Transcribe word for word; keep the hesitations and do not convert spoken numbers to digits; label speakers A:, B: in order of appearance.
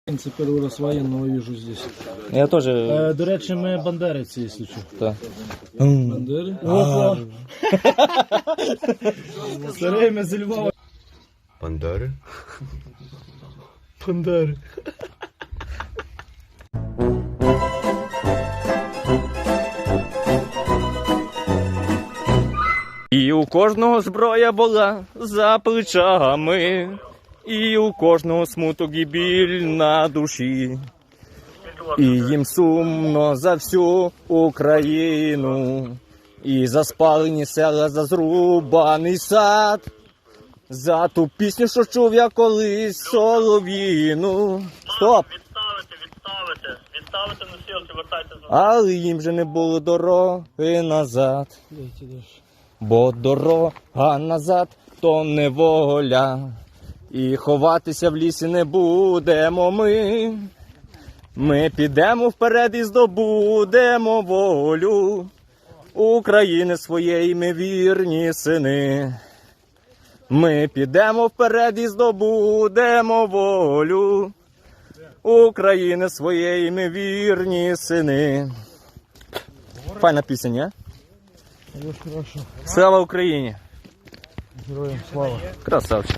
A: Це перший раз воєнного вижу здесь.
B: Я теж.
A: Е, до речі, ми бандериці, якщо що.
B: Так.
A: Бандери? Опа! Старий ми зі Львова.
C: Бандери?
A: Бандери.
B: І у кожного зброя була за плечами, і у кожного смуток і біль на душі. І їм сумно за всю Україну, і за спалені села, за зрубаний сад, за ту пісню, що чув я колись солов'їну. Стоп!
D: Відставити, відставити, відставити носілки, вертайте за.
B: Але їм же не було дороги назад. Бо дорога назад то неволя, і ховатися в лісі не будемо ми. Ми підемо вперед і здобудемо волю України своєї ми вірні сини. Ми підемо вперед і здобудемо волю України своєї ми вірні сини. Файна пісня, ні? Слава Україні!
A: Героям слава.
B: Красавчик.